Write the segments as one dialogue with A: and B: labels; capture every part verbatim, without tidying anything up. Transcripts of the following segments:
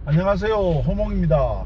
A: 안녕하세요, 호몽입니다.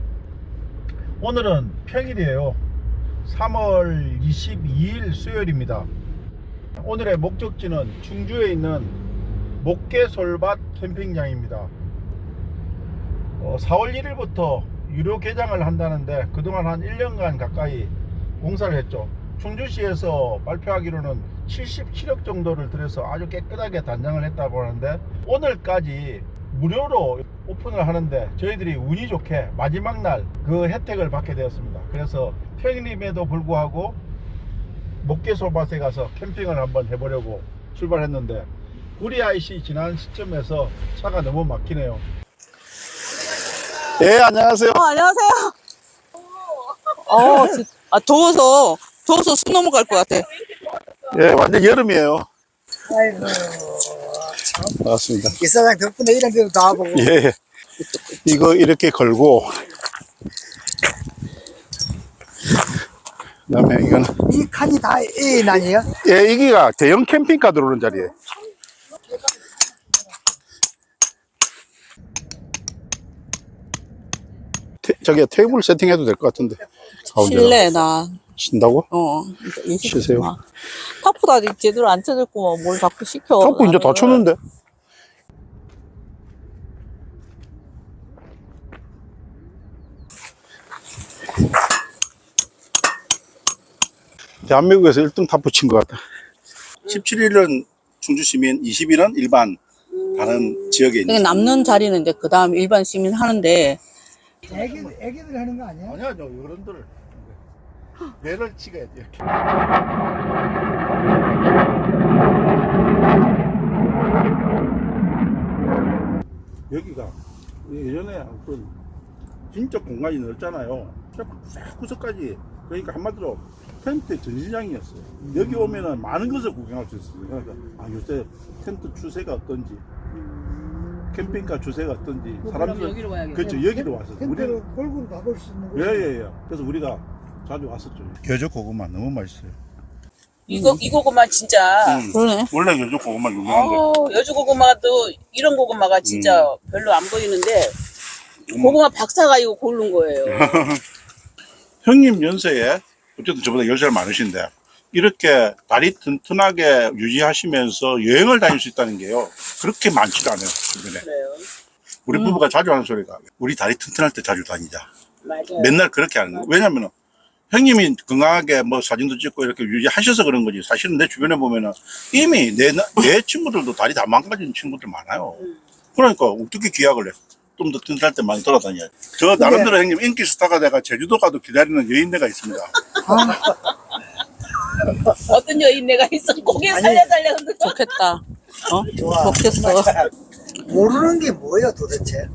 A: 오늘은 평일이에요. 삼월 이십이일 수요일입니다. 오늘의 목적지는 충주에 있는 목계솔밭 캠핑장입니다. 어, 사월 일일부터 유료 개장을 한다는데 그동안 한 일 년간 가까이 공사를 했죠. 충주시에서 발표하기로는 칠십칠억 정도를 들여서 아주 깨끗하게 단장을 했다고 하는데, 오늘까지 무료로 오픈을 하는데 저희들이 운이 좋게 마지막 날 그 혜택을 받게 되었습니다. 그래서 평일임에도 불구하고 목계솔밭에 가서 캠핑을 한번 해보려고 출발했는데, 구리 아이씨 지난 시점에서 차가 너무 막히네요. 예, 안녕하세요.
B: 어, 안녕하세요. 어, 진- 아, 더워서, 더워서 숨 넘어갈 것 같아.
A: 예, 완전 여름이에요.
C: 아이고,
A: 반갑습니다.
C: 이사장 덕분에 이런 데도 다 보고.
A: 예, 이거 이렇게 걸고, 그 다음에 이건,
C: 이 칸이 다 에인 아니에요?
A: 예, 이기가 대형 캠핑카 들어오는 자리에. 테, 저기 테이블 세팅해도 될 것 같은데. 가운데다가.
B: 실내, 나.
A: 친다고?
B: 어.
A: 쉬세요.
B: 타프도 아직 제대로 안 쳐졌고, 뭘 자꾸 시켜.
A: 자꾸 이제 다
B: 나는.
A: 쳤는데. 대한민국에서 일 등 타프 친 것 같다. 십칠일은 충주시민, 이십일은 일반 다른 지역에 있는.
B: 그러니까 남는 자리는 이제 그 다음 일반 시민 하는데,
C: 애기들, 애기들 하는 거 아니야?
A: 아니야, 저 어른들 배를 찍어야 돼. 이렇게. 여기가 예전에 어떤 진짜 공간이 넓잖아요. 쫙 구석까지. 그러니까 한마디로 텐트 전시장이었어요. 여기 오면은 많은 것을 구경할 수 있어요. 그러니까 아, 요새 텐트 추세가 어떤지, 캠핑카 추세가 어떤지, 사람들
B: 여기로 와야겠네.
A: 그렇죠, 여기로 와서
C: 텐트를
A: 우리는
C: 골고루 가볼 수 있는 거.
A: 예예예. 그래서 우리가 자주 왔었죠. 겨적 고구마 너무 맛있어요.
D: 이거 이 고구마 진짜
A: 음.
B: 그러네.
A: 원래 겨적 고구마 유명한데.
D: 어, 여주 고구마도 이런 고구마가 진짜
A: 음.
D: 별로 안 보이는데 고구마 박사가 이거 고른 거예요.
A: 형님 연세에 어쨌든 저보다 열 살 많으신데 이렇게 다리 튼튼하게 유지하시면서 여행을 다닐 수 있다는 게요, 그렇게 많지도 않아요, 주변에.
D: 그래요.
A: 우리 부부가 자주 하는 소리가 우리 다리 튼튼할 때 자주 다니자.
D: 맞아요.
A: 맨날 그렇게 하는 거예요. 왜냐면은 형님이 건강하게 뭐 사진도 찍고 이렇게 유지하셔서 그런 거지, 사실은 내 주변에 보면은 이미 내, 나- 내 친구들도 다리 다 망가진 친구들 많아요. 그러니까 어떻게 기약을 해? 좀 더 튼튼할 때 많이 돌아다녀야지. 저 나름대로 형님 인기 스타가 돼가 제주도 가도 기다리는 여인네가 있습니다.
D: 어떤 여인네가 있어 고개 살려 살려 흔들어.
B: 좋겠다. 어?
C: 좋아.
B: 먹겠어.
C: 모르는 게 뭐예요 도대체?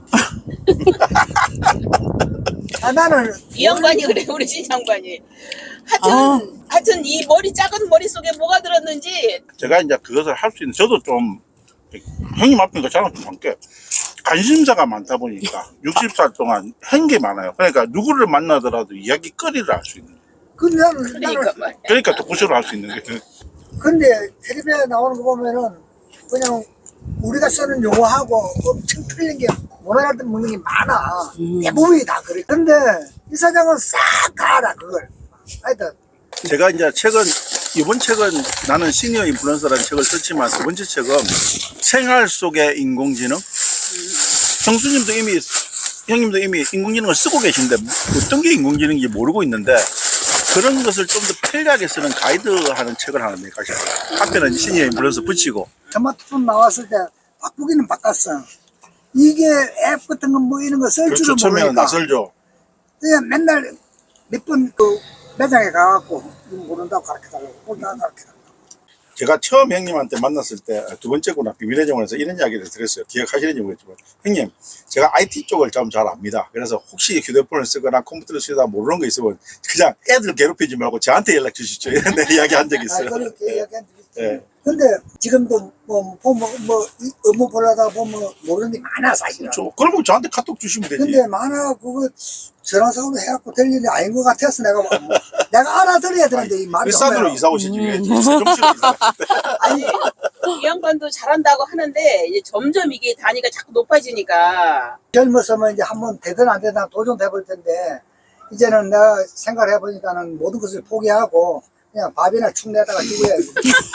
C: 아, 나는
D: 이 양반이 그래, 우리 신 양반이. 하여튼
B: 아.
D: 하여튼 이 머리 작은 머릿 속에 뭐가 들었는지
A: 제가 이제 그것을 할 수 있는, 저도 좀 형님 앞이니까 저랑 좀 함께 관심사가 많다 보니까 육십 살 동안 한 게 많아요. 그러니까 누구를 만나더라도 이야기거리를 할 수 있는 거예요.
C: 그 나는
D: 그러니까
C: 나는
D: 말이야.
A: 그러니까 토크쇼를 할 수 있는 게.
C: 근데 텔레비에 나오는 거 보면은 그냥 우리가 쓰는 용어하고 엄청 틀린 게 모나갈 때 먹는 게 많아. 대부분이 다 그래. 근데 이사장은 싹 다 알아 그걸. 하여튼
A: 제가 이제 책은, 이번 책은 나는 시니어 인플루언서라는 책을 썼지만 두 번째 책은 생활 속의 인공지능. 형수님도 이미, 형님도 이미 인공지능을 쓰고 계신데 어떤 게 인공지능인지 모르고 있는데, 그런 것을 좀 더 편리하게 쓰는 가이드하는 책을 하나 내가시고, 앞에는 시니어 인플루언서 붙이고.
C: 스마트폰 나왔을 때 바꾸기는 바꿨어. 이게 앱 같은 거 뭐 이런 거 쓸
A: 그렇죠.
C: 줄은
A: 처음에는
C: 모르니까
A: 낯설죠.
C: 그냥 맨날 몇 번 그 매장에 가갖고 이거 모른다고 가르쳐달라고 모른다고 가르쳐달라고.
A: 제가 처음 형님한테 만났을 때, 두 번째구나, 비밀의 정원에서 이런 이야기를 드렸어요. 기억하시는지 모르겠지만, 형님, 제가 아이티 쪽을 좀 잘 압니다. 그래서 혹시 휴대폰을 쓰거나 컴퓨터를 쓰다 모르는 거 있으면 그냥 애들 괴롭히지 말고 저한테 연락 주시죠. 이런 이야기 한 적이
C: 아,
A: 있어요.
C: 그렇게 이야기한 적이 있지.
A: 예.
C: 근데 지금도 뭐 보면 뭐 이 업무 보려다 보면 모르는 게 많아 사실은.
A: 저, 그러면 저한테 카톡 주시면 되지.
C: 근데 많아 그거 전화상으로 해갖고 될 일이 아닌 것 같아서 내가 뭐, 내가 알아들어야 되는데 이 말이
A: 일산으로
C: 오면
A: 이사 오시지 왜 정시로 이사.
C: 아니
D: 이 양반도 잘한다고 하는데 이제 점점 이게 단위가 자꾸 높아지니까
C: 젊었으면 이제 한번 되든 안 되든 도전해 볼 텐데 이제는 내가 생각을 해보니까는 모든 것을 포기하고 그냥 밥이나 축 내다가 죽어야지.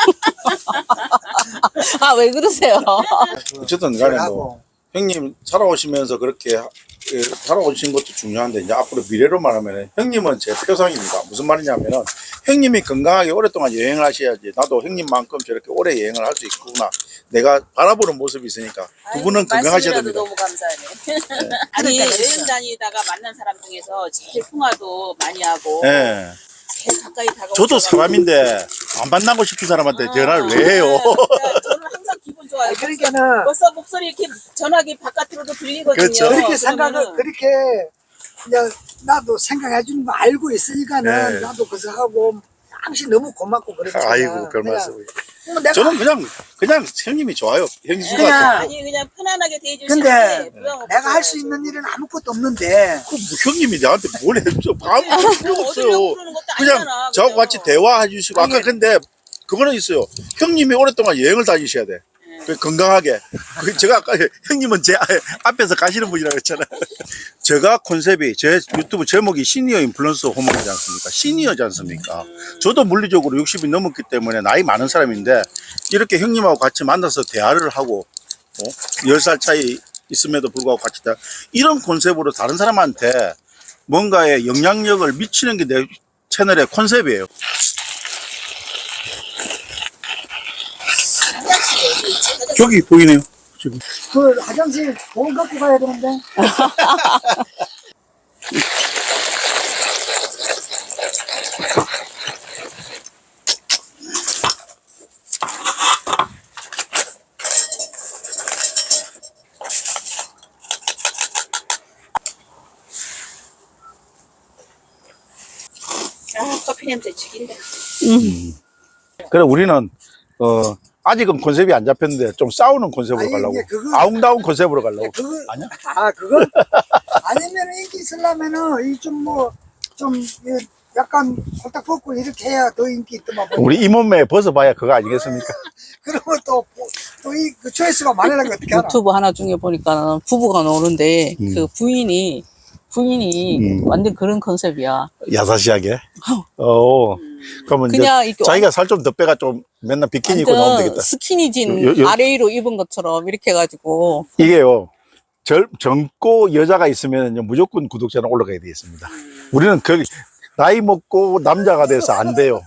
B: 아, 왜 그러세요?
A: 어쨌든 간에 뭐
C: 하고.
A: 형님 살아오시면서 그렇게 예, 살아오신 것도 중요한데 이제 앞으로 미래로 말하면 형님은 제 표상입니다. 무슨 말이냐면은 형님이 건강하게 오랫동안 여행을 하셔야지 나도 형님만큼 저렇게 오래 여행을 할 수 있구나. 내가 바라보는 모습이 있으니까 두 분은 건강하셔야
D: 말씀이라도
A: 됩니다.
D: 너무 감사하네. 아니 여행 다니다가 만난 사람 중에서 제일 통화도 많이 하고
A: 예.
D: 제일 가까이 다가오고
A: 저도 사람인데 안 만나고 싶은 사람한테 전화를 왜 해요?
D: 저는 항상 기분 좋아요.
C: 그러니까는
D: 벌써 목소리 이렇게 전화기 바깥으로도 들리거든요.
A: 그렇죠.
C: 그렇게 생각을
D: 그러면은
C: 그렇게 그냥 나도 생각해 주는 거 알고 있으니까는
A: 네.
C: 나도 그래서 하고 당신 너무 고맙고 그렇잖아.
A: 아이고 별
C: 그냥
A: 말씀을.
C: 뭐 내가
A: 저는 그냥 그냥 형님이 좋아요. 형수가
C: 그냥
D: 아니 그냥 편안하게
C: 근데
D: 대해주시는데 부담 없어요.
C: 내가 할 수 있는 일은 아무것도 없는데
A: 그 뭐 형님이 나한테 뭘 해줘? 아무 필요
D: 어디려고
A: 없어요.
D: 그러는 것도
A: 그냥
D: 아니잖아,
A: 저하고
D: 그죠?
A: 같이 대화해 주시고 아까
C: 아니,
A: 근데 그거는 있어요. 형님이 오랫동안 여행을 다니셔야 돼. 그 건강하게. 그 제가 아까 형님은 제 앞에서 가시는 분이라고 했잖아요. 제가 컨셉이 제 유튜브 제목이 시니어 인플루언서 호목이지 않습니까? 시니어지 않습니까? 저도 물리적으로 육십이 넘었기 때문에 나이 많은 사람인데 이렇게 형님하고 같이 만나서 대화를 하고 어? 열 살 차이 있음에도 불구하고 같이 다 이런 컨셉으로 다른 사람한테 뭔가의 영향력을 미치는 게 내 채널의 컨셉이에요. 저기 보이네요. 지금.
C: 그 화장실 돈 갖고 가야 되는데
D: 아 커피 냄새 죽인다.
A: 그래 우리는 어 아직은 컨셉이 안 잡혔는데 좀 싸우는 컨셉으로
C: 아니,
A: 가려고
C: 이게 그거-
A: 아웅다운 컨셉으로 가려고.
C: 그거
A: 아니야?
C: 아 그거 아니면 인기 있으려면은 이 좀 뭐 좀 약간 홀딱 벗고 이렇게 해야 더 인기 있더만 뭐.
A: 우리 이 몸매에 벗어봐야 그거 아니겠습니까?
C: 그러면 또또이 그 초이스가 많으려면 어떻게 하나?
B: 유튜브 하나 중에 보니까 부부가 나오는데
A: 음.
B: 그 부인이 부인이
A: 음.
B: 완전 그런 컨셉이야.
A: 야사시하게. 어. 그러면 이제
B: 그냥 이렇게
A: 자기가 살 좀 더 빼가 좀 맨날 비키니 입고 나오면
B: 완전
A: 되겠다.
B: 스키니진
A: 요- 요-
B: 아래위로 입은 것처럼 이렇게 해가지고
A: 이게요. 젊, 젊고 여자가 있으면 무조건 구독자는 올라가야 되겠습니다. 우리는 그 나이 먹고 남자가 돼서 안 돼요.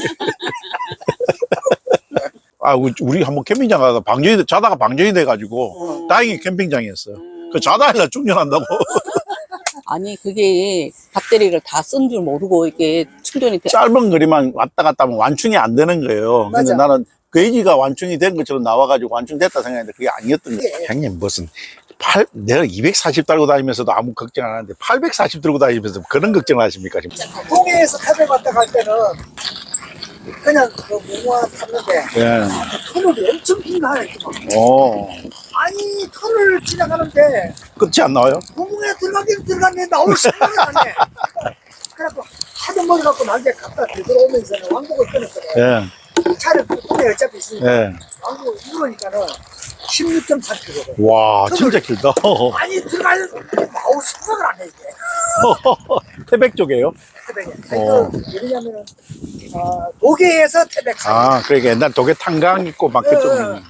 A: 아, 우리, 우리 한번 캠핑장 가서 방전이, 돼- 자다가 방전이 돼가지고, 다행히 캠핑장이었어요. 그 자다가 충전한다고.
B: 아니 그게 배터리를 다 쓴 줄 모르고 이게 충전이 돼.
A: 짧은 거리만 왔다 갔다 하면 완충이 안 되는 거예요. 근데
C: 맞아.
A: 나는 게이지가 완충이 된 것처럼 나와가지고 완충됐다 생각했는데 그게 아니었던 거예요.
C: 예.
A: 형님, 무슨, 팔, 내가 이백사십 달고 다니면서도 아무 걱정 안 하는데 팔백사십 들고 다니면서 그런 걱정을 하십니까, 지금?
C: 동해에서 타백 왔다 갈 때는 그냥 그 무모한 탔는데
A: 예.
C: 터널이 엄청 긴가해.
A: 어.
C: 아니 터널을 지나가는데
A: 끝이 안 나와요?
C: 구멍에 들어가긴 들어갔는데 나올 생각이 안 해. 그래갖고 하도 머리 갖고 날개 갖다 들어오면서는 왕복을 끊었거든.
A: 예.
C: 차를 구멍에 어차피 있으니까
A: 예.
C: 왕복을 이러니까는 십육 점 삼 킬로미터.
A: 와, 진짜 길다.
C: 아니 들어갈 나올 생각을 안 해 이게.
A: 태백 쪽이에요?
C: 태백에.
A: 어.
C: 그러니까 왜냐면은 아, 도계에서 태백 사이.
A: 아, 그러니까 옛날 독에 탄강 있고 막
C: 예,
A: 그쪽.
C: 예.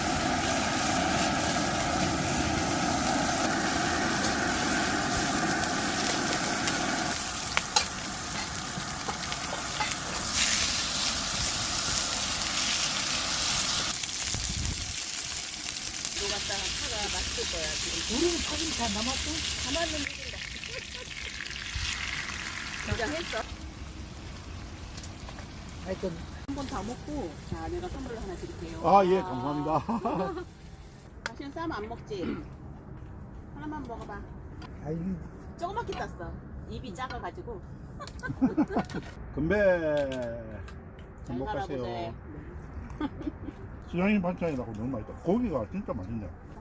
C: 우리는 사진 다 남았어? 하여튼
D: 한 번 다 먹고 자 내가 선물을 하나 드릴게요.
A: 아, 예, 감사합니다.
D: 당신 쌈 안 먹지? 하나만 먹어봐.
C: 아이
D: 조그맣게 땄어. 입이 작아가지고.
A: 건배.
D: 잘
A: 행복하세요.
D: 살아보세요.
A: 수장님 반찬이라고 너무 맛있다. 고기가 진짜 맛있네.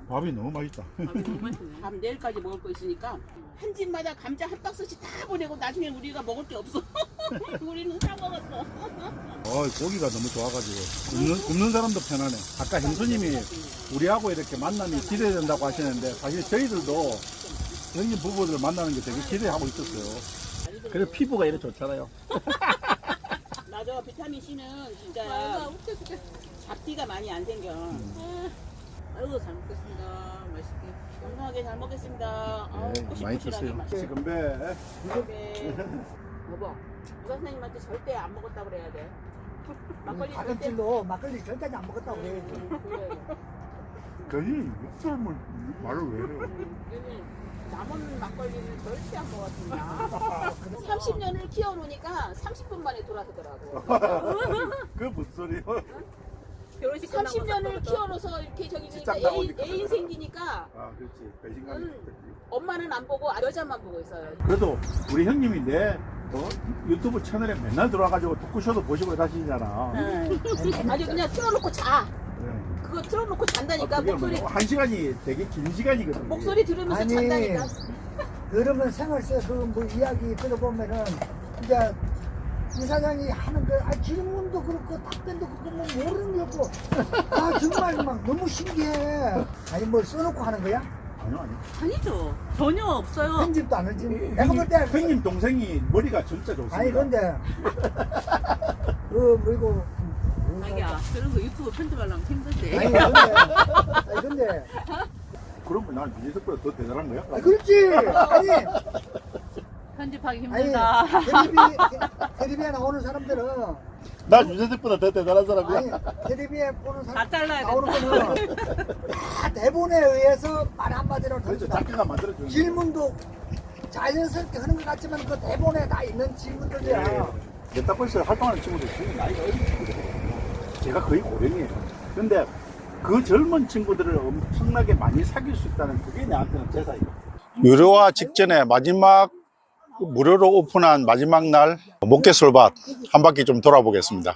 A: 밥이 너무 맛있다.
D: 밥 내일까지 먹을 거 있으니까 한 집마다 감자 한 박스씩 다 보내고 나중에 우리가 먹을 게 없어. 우리는 사 먹었어.
A: 어, 고기가 너무 좋아가지고 굽는, 굽는 사람도 편하네. 아까 형수님이 우리하고 이렇게 만남이 기대된다고 하시는데 사실 저희들도 형님 부부들 만나는 게 되게 기대하고 있었어요. 그래서 피부가 이렇게 좋잖아요.
D: 맞아, 비타민 C는 진짜 잡티가 많이 안 생겨.
B: 아이고 잘 먹겠습니다. 맛있게.
D: 건강하게 잘 먹겠습니다. 아우,
A: 네, 많이
D: 꼬실꼬실하게
A: 드세요.
D: 맛있게.
A: 지금 배.
D: 네. 여보, 의사 선생님한테 절대 안 먹었다고 그래야 돼. 막걸리 절대.
C: 가끔질로 막걸리 절대 안 먹었다고 그래.
D: 그래.
A: 괜히 욕설을 말을 왜 해요?
D: 얘는 남은 막걸리는 절대 안 먹었습니다. 삼십 년을 키워놓으니까 삼십 분 만에 돌아서더라고.
A: 그 무슨 소리요?
D: 결혼식 삼십 년을 키워놓어서 이렇게 저기 그러니까
A: 직장
D: 애인,
A: 나오니까
D: 애인 생기니까
A: 아, 그렇지. 배신감이
D: 음.
A: 있겠지.
D: 엄마는 안 보고 여자만 보고 있어요.
A: 그래도 우리 형님이 내 어? 유튜브 채널에 맨날 들어와가지고 토크쇼도 보시고 다니시잖아.
D: 아주 그냥 틀어놓고 자.
A: 네.
D: 그거 틀어놓고 잔다니까.
A: 아, 그게
D: 목소리
A: 뭐 한 시간이 되게 긴 시간이거든요.
D: 목소리 들으면서
C: 아니,
D: 잔다니까.
C: 그러면 생활세 그뭐 이야기 들어보면은 이제 이 사장이 하는 거, 아, 질문도 그렇고 답변도 그렇고 뭐 모르는 게 없고, 아 정말 막 너무 신기해. 아니 뭘 써놓고 하는 거야?
A: 아니요, 아니요.
B: 아니죠. 전혀 없어요.
C: 편집도 안 하지. 내가 볼 때,
A: 형님 동생이 머리가 진짜 좋습니다.
C: 아니 근데 그 뭐이고,
B: 자기야 그런 거 유튜브 편집하려면 힘든데.
C: 아니 근데, 아니 근데,
A: 그런 거난 민재석보다 더 대단한 거야?
C: 아 그렇지. 아니.
B: 편집하기
C: 아니,
B: 힘들다.
C: 텔레비, 텔레비에 나오는 사람들은,
A: 난 윤재석보다 더 대단한 사람이야.
C: 아니, 텔레비에 보는
B: 다
C: 사람,
B: 잘라야
C: 나오는
B: 된다.
C: 거는 다 대본에 의해서 말 한마디로
A: 그렇죠.
C: 던진다.
A: 작가가 만들어주는
C: 질문도 자연스럽게 하는 것 같지만 그 대본에 다 있는 질문들이야.
A: 메타버스에 활동하는 친구들 지금 나이가 어린 친구들이에요. 제가 거의 고령이에요. 근데 그 젊은 친구들을 엄청나게 많이 사귈 수 있다는 그게 나한테는 제사예요. 유료화 직전에 마지막 무료로 오픈한 마지막 날 목계솔밭 한 바퀴 좀 돌아보겠습니다.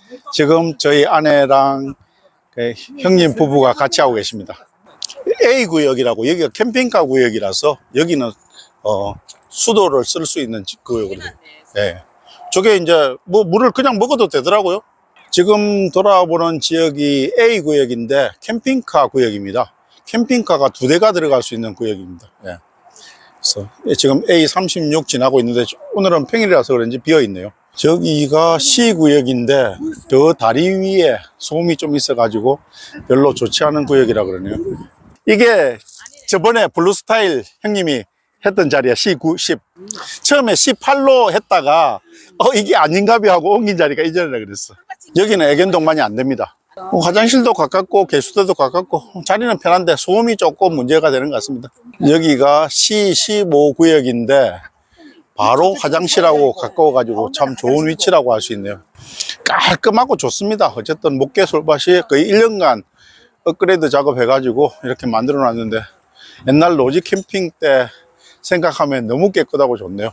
A: 지금 저희 아내랑 그 형님 부부가 같이 하고 계십니다. A 구역이라고, 여기가 캠핑카 구역이라서 여기는 어, 수도를 쓸 수 있는 구역이거든요. 네. 저게 이제 뭐 물을 그냥 먹어도 되더라고요. 지금 돌아보는 지역이 A 구역인데 캠핑카 구역입니다. 캠핑카가 두 대가 들어갈 수 있는 구역입니다. 네. 그래서 지금 에이 삼십육 지나고 있는데 오늘은 평일이라서 그런지 비어 있네요. 저기가 C 구역인데 저 다리 위에 소음이 좀 있어 가지고 별로 좋지 않은 구역이라 그러네요. 이게 저번에 블루스타일 형님이 했던 자리야. 씨 구, 십. 처음에 씨 팔로 했다가 어 이게 아닌가비 하고 옮긴 자리가 이 자리라 그랬어. 여기는 애견동반이 안 됩니다. 어, 화장실도 가깝고 개수대도 가깝고 자리는 편한데 소음이 조금 문제가 되는 것 같습니다. 여기가 씨 십오 구역인데 바로 화장실하고 가까워 가지고 참 좋은 위치라고 할 수 있네요. 깔끔하고 좋습니다. 어쨌든 목계솔밭이 거의 일 년간 업그레이드 작업해 가지고 이렇게 만들어 놨는데 옛날 로지 캠핑 때 생각하면 너무 깨끗하고 좋네요.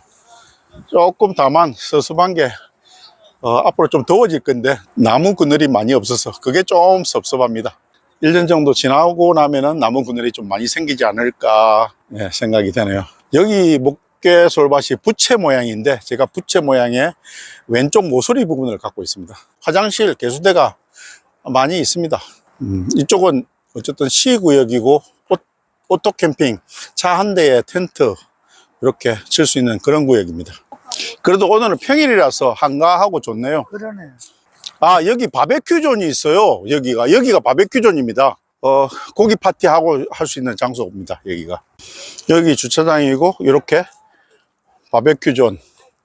A: 조금 다만 섭섭한 게 어, 앞으로 좀 더워질 건데 나무 그늘이 많이 없어서 그게 좀 섭섭합니다. 일 년 정도 지나고 나면은 나무 그늘이 좀 많이 생기지 않을까 예, 생각이 되네요. 여기 목계솔밭이 부채 모양인데 제가 부채 모양의 왼쪽 모서리 부분을 갖고 있습니다. 화장실, 개수대가 많이 있습니다. 음, 이쪽은 어쨌든 C 구역이고 오, 오토 캠핑, 차 한 대에 텐트 이렇게 칠 수 있는 그런 구역입니다. 그래도 오늘은 평일이라서 한가하고 좋네요.
C: 그러네.
A: 아, 여기 바베큐 존이 있어요. 여기가 여기가 바베큐 존입니다. 어, 고기 파티 하고 할 수 있는 장소입니다. 여기가 여기 주차장이고 이렇게 바베큐 존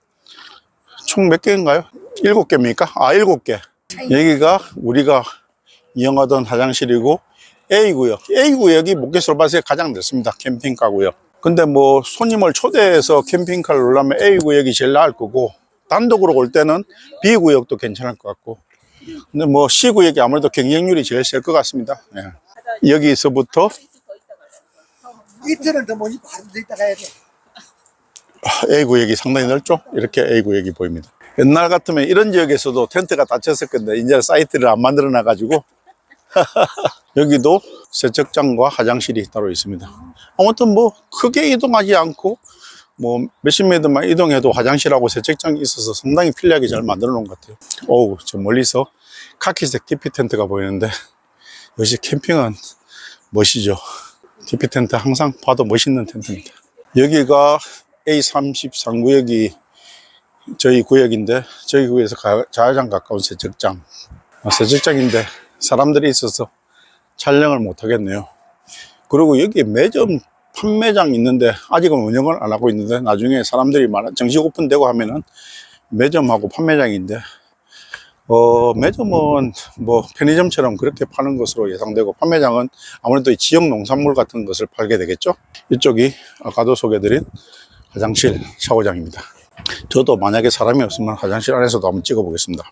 A: 총 몇 개인가요? 일곱 개입니까? 아, 일곱 개. 여기가 우리가 이용하던 화장실이고 A 구역. A 구역이 목계솔밭에 가장 넓습니다. 캠핑카 구역. 근데 뭐 손님을 초대해서 캠핑카를 놀라면 A 구역이 제일 나을 거고 단독으로 올 때는 B 구역도 괜찮을 것 같고 근데 뭐 C 구역이 아무래도 경쟁률이 제일 셀 것 같습니다. 예. 여기서부터
C: 이틀은 더 못 입고 하루 더 있다 가야 돼.
A: A 구역이 상당히 넓죠. 이렇게 A 구역이 보입니다. 옛날 같으면 이런 지역에서도 텐트가 닫혔을 건데 이제 사이트를 안 만들어 놔 가지고 여기도 세척장과 화장실이 따로 있습니다. 아무튼 뭐 크게 이동하지 않고 뭐 몇십 미터만 이동해도 화장실하고 세척장이 있어서 상당히 편리하게 잘 만들어 놓은 것 같아요. 어우, 저 멀리서 카키색 티피 텐트가 보이는데 역시 캠핑은 멋이죠. 티피 텐트 항상 봐도 멋있는 텐트입니다. 여기가 에이 삼십삼 구역이 저희 구역인데 저희 구역에서 가장 가까운 세척장. 세척장인데 사람들이 있어서 촬영을 못 하겠네요. 그리고 여기 매점 판매장 있는데 아직은 운영을 안 하고 있는데 나중에 사람들이 많아 정식 오픈되고 하면은 매점하고 판매장인데 어 매점은 뭐 편의점처럼 그렇게 파는 것으로 예상되고 판매장은 아무래도 지역 농산물 같은 것을 팔게 되겠죠. 이쪽이 아까도 소개해드린 화장실 샤워장입니다. 저도 만약에 사람이 없으면 화장실 안에서도 한번 찍어 보겠습니다.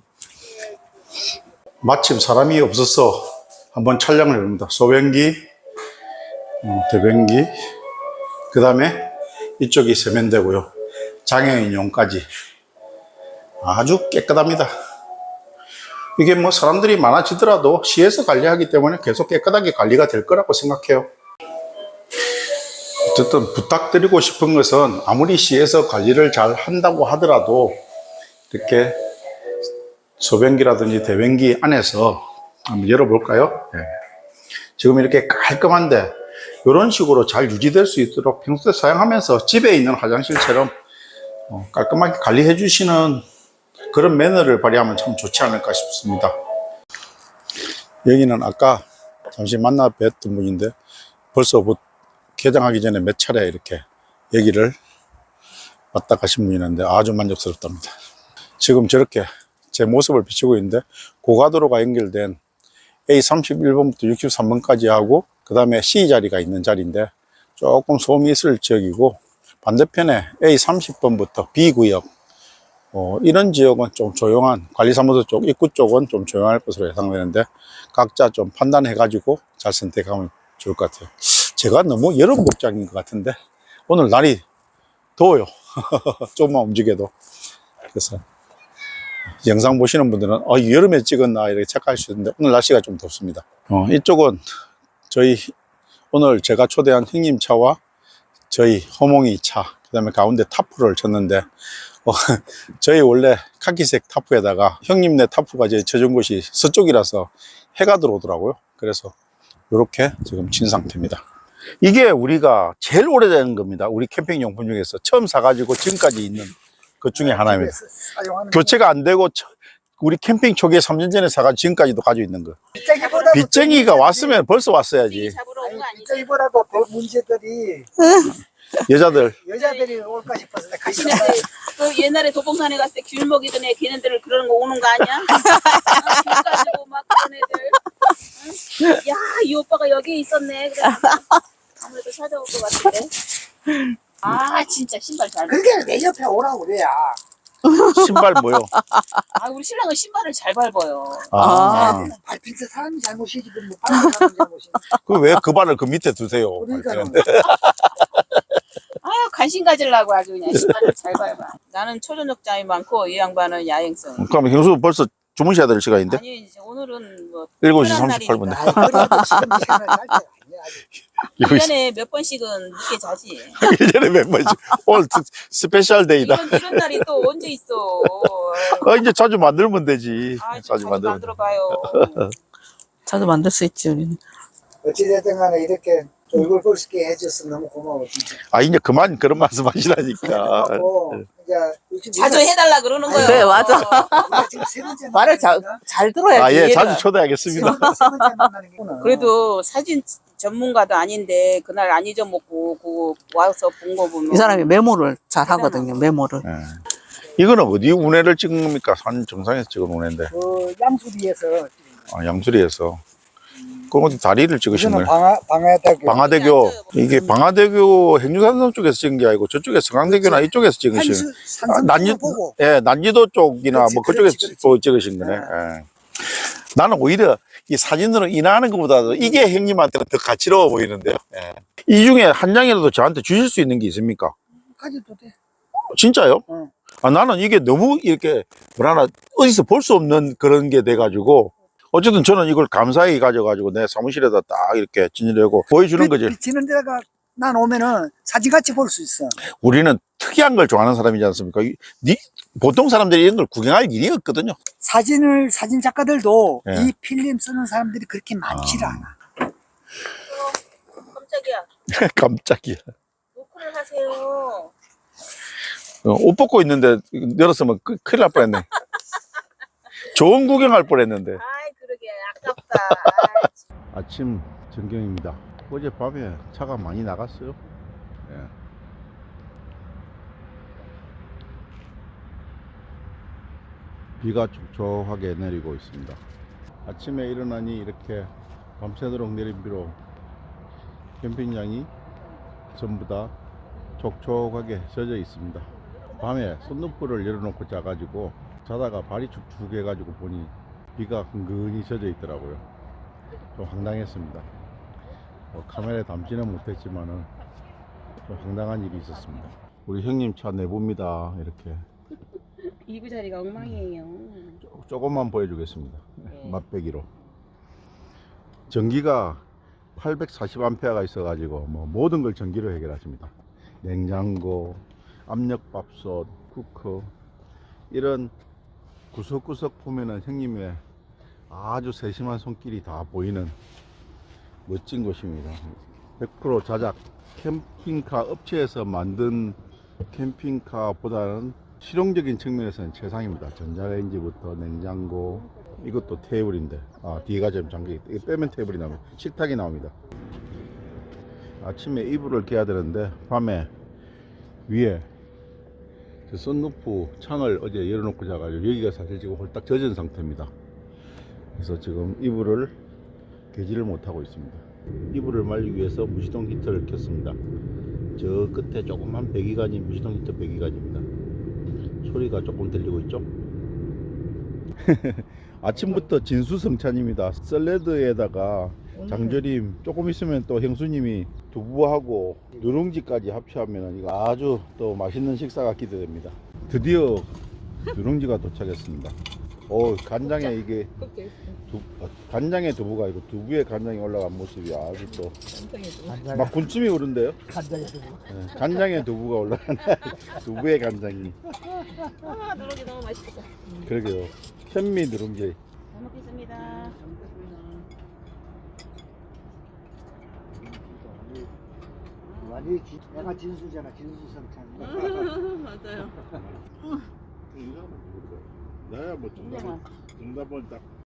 A: 마침 사람이 없어서 한번 촬영을 해봅니다. 소변기, 대변기, 그 다음에 이쪽이 세면대고요. 장애인용까지 아주 깨끗합니다. 이게 뭐 사람들이 많아지더라도 시에서 관리하기 때문에 계속 깨끗하게 관리가 될 거라고 생각해요. 어쨌든 부탁드리고 싶은 것은 아무리 시에서 관리를 잘 한다고 하더라도 이렇게 소변기라든지 대변기 안에서 한번 열어볼까요? 네. 지금 이렇게 깔끔한데 이런 식으로 잘 유지될 수 있도록 평소에 사용하면서 집에 있는 화장실처럼 깔끔하게 관리해 주시는 그런 매너를 발휘하면 참 좋지 않을까 싶습니다. 여기는 아까 잠시 만나 뵀던 분인데 벌써 개장하기 전에 몇 차례 이렇게 여기를 왔다 가신 분이 있는데 아주 만족스럽답니다. 지금 저렇게 제 모습을 비추고 있는데 고가도로가 연결된 에이 삼십일 번부터 육십삼 번까지 하고 그 다음에 C 자리가 있는 자리인데 조금 소음이 있을 지역이고 반대편에 에이 삼십 번부터 B 구역 어, 이런 지역은 좀 조용한 관리사무소 쪽 입구 쪽은 좀 조용할 것으로 예상되는데 각자 좀 판단해 가지고 잘 선택하면 좋을 것 같아요. 제가 너무 여름 복장인 것 같은데 오늘 날이 더워요. 조금만 움직여도. 그래서 영상 보시는 분들은 어, 여름에 찍었나 이렇게 착각할 수 있는데 오늘 날씨가 좀 덥습니다. 어, 이쪽은 저희 오늘 제가 초대한 형님 차와 저희 허몽이 차, 그 다음에 가운데 타프를 쳤는데 어, 저희 원래 카키색 타프에다가 형님네 타프가 이제 쳐준 곳이 서쪽이라서 해가 들어오더라고요. 그래서 이렇게 지금 친 상태입니다. 이게 우리가 제일 오래된 겁니다. 우리 캠핑 용품 중에서 처음 사가지고 지금까지 있는 것 중에 하나입니다. 교체가 안 되고 우리 캠핑 초기에 삼 년 전에 사가지고 지금까지도 가지고 있는 거. 빗쟁이가 왔으면 벌써 왔어야지.
D: 잡으러 온 거 아니지?
C: 빗쟁이보다도 더 문제들이
A: 여자들.
C: 여자들이 올까 싶어서 내가 같이
D: 근데 그 옛날에 도봉산에 갔을 때 귤 먹이던 애 걔네들 그러는 거 오는 거 아니야? 어, 귤 가지고 막 그런 애들. 응? 야, 이 오빠가 여기에 있었네. 그래. 아무래도 찾아올 것 같은데. 아, 진짜 신발 잘.
C: 그게 내 옆에 오라고 그래야.
A: 신발 뭐요?
D: 아, 우리 신랑은 신발을 잘 밟아요.
A: 아.
C: 밟힐 때 사람이 잘못이지 뭐 밟는 사람이 잘못이지.
A: 그 왜 그 발을 그 밑에 두세요?
C: 그러니까요.
D: 아유, 관심 가지려고 아주 그냥 신발을 잘 밟아. 나는 초저녁잠이 많고 이 양반은 야행성.
A: 그럼 형수 벌써 주무셔야 될 시간인데?
D: 아니, 이제 오늘은 뭐
A: 일곱 시
D: 편한
A: 삼십팔 분인데.
C: 아, 그래도 지금 이 시간을 잘 때. 아니야, 아직.
D: 일 년에 몇 번씩은 늦게 자지.
A: 일 년에 몇 번씩. 오늘 스페셜 데이다.
D: 이런, 이런 날이 또 언제 있어.
A: 아, 이제 자주 만들면 되지.
D: 아, 좀
A: 자주
D: 자주
A: 만들면.
D: 만들어 봐요.
B: 자주 만들 수 있지, 우리는.
C: 어찌됐든 간에 이렇게 얼굴 볼 수 있게 해줘서 너무 고마워, 진짜.
A: 아, 이제 그만 그런 말씀 하시라니까.
C: 하고, 이제 요즘
D: 자주
C: 우리가-
D: 해달라 그러는 거예요.
B: 그래, 맞아.
C: 우리가 지금 세 번째
B: 말을 잘,
C: 만나니까
B: 잘 들어야지.
A: 아, 예,
B: 얘가.
A: 자주 초대하겠습니다.
C: 세 번째 만나는 게구나.
D: 그래도 사진 전문가도 아닌데 그날 안 잊어먹고 그 와서 본 거 보면
B: 이 사람이 메모를 잘 하거든요, 메모를.
A: 예. 이거는 어디 운해를 찍은 겁니까? 산 정상에서 찍은 운해인데.
C: 그 양수리에서
A: 아, 양수리에서. 그럼 어디 다리를 찍으신
C: 이거는
A: 거예요?
C: 방아, 방아대교.
A: 방화대교. 이게 방화대교 행주산성 쪽에서 찍은 게 아니고 저쪽에 성강대교나 이쪽에서 찍으신
C: 한수,
A: 아,
C: 산성
A: 난지,
C: 보고.
A: 예, 난지도 쪽이나
C: 그렇지,
A: 뭐 그쪽에서
C: 그렇지, 그렇지.
A: 또 찍으신 거네. 예. 나는 오히려 이 사진으로 인하하는 것보다도 이게 형님한테는 더 가치로워 보이는데요. 예. 이 중에 한 장이라도 저한테 주실 수 있는 게 있습니까?
C: 가져도 돼.
A: 진짜요?
C: 응.
A: 아, 나는 이게 너무 이렇게 뭐라나 어디서 볼 수 없는 그런 게 돼가지고 어쨌든 저는 이걸 감사히 가져가지고 내 사무실에다 딱 이렇게 진열하고 보여주는 거지.
C: 지는 데가 난 오면은 사진같이 볼 수 있어.
A: 우리는 특이한 걸 좋아하는 사람이지 않습니까? 이- 니, 보통 사람들이 이런 걸 구경할 일이 없거든요.
C: 사진을 사진 작가들도
A: 예.
C: 이 필름 쓰는 사람들이 그렇게 많지를
A: 아.
C: 않아.
D: 어, 깜짝이야.
A: 깜짝이야.
D: 노크를 하세요.
A: 어, 옷 벗고 있는데 열었으면 그, 큰일 날 뻔했네. 좋은 구경할 뻔했는데.
D: 아이 그러게 아깝다. 아이, 참.
A: 아침 전경입니다. 어젯밤에 차가 많이 나갔어요. 예. 비가 촉촉하게 내리고 있습니다. 아침에 일어나니 이렇게 밤새도록 내린 비로 캠핑장이 전부 다 촉촉하게 젖어 있습니다. 밤에 썬루프를 열어놓고 자가지고 자다가 발이 축축해가지고 보니 비가 은근히 젖어 있더라고요. 좀 황당했습니다. 뭐 카메라에 담지는 못했지만은 좀 황당한 일이 있었습니다. 우리 형님 차 내봅니다. 이렇게
D: 이구 자리가 엉망이에요.
A: 조- 조금만 보여주겠습니다.
D: 네.
A: 맛배기로. 전기가 팔백사십 암페어가 있어가지고 뭐 모든 걸 전기로 해결하십니다. 냉장고, 압력밥솥, 쿠커 이런 구석구석 보면은 형님의 아주 세심한 손길이 다 보이는 멋진 곳입니다. 백 퍼센트 자작 캠핑카 업체에서 만든 캠핑카보다는 실용적인 측면에서는 최상입니다. 전자레인지부터 냉장고, 이것도 테이블인데 아 뒤가 좀 잠겨있다. 이거 빼면 테이블이 나옵니다. 식탁이 나옵니다. 아침에 이불을 개야 되는데 밤에 위에 저 썬루프 창을 어제 열어놓고 자가지고 여기가 사실 지금 홀딱 젖은 상태입니다. 그래서 지금 이불을 개지를 못하고 있습니다. 이불을 말리기 위해서 무시동 히터를 켰습니다. 저 끝에 조그만 배기관이 무시동 히터 배기관입니다. 소리가 조금 들리고 있죠? 아침부터 진수성찬입니다. 샐러드에다가 장조림, 조금 있으면 또 형수님이 두부하고 누룽지까지 합치하면 이거 아주 또 맛있는 식사가 기대됩니다. 드디어 누룽지가 도착했습니다. 오, 간장에 이게 두, 아, 간장에 두부가 아니고 두부에 간장이 올라간 모습이 아주 또 막 군침이 오른데요.
C: 간장에 두부.
A: 네, 간장에 두부가 올라간 두부에 간장이.
D: 아 누룽지 너무 맛있겠다.
A: 그러게요. 현미 누룽지.
D: 잘 먹겠습니다.
C: 완전히 지- 내가 진수잖아, 진수성찬.
D: 맞아요.
A: 나야 뭐
D: 정답은
A: 정답은 딱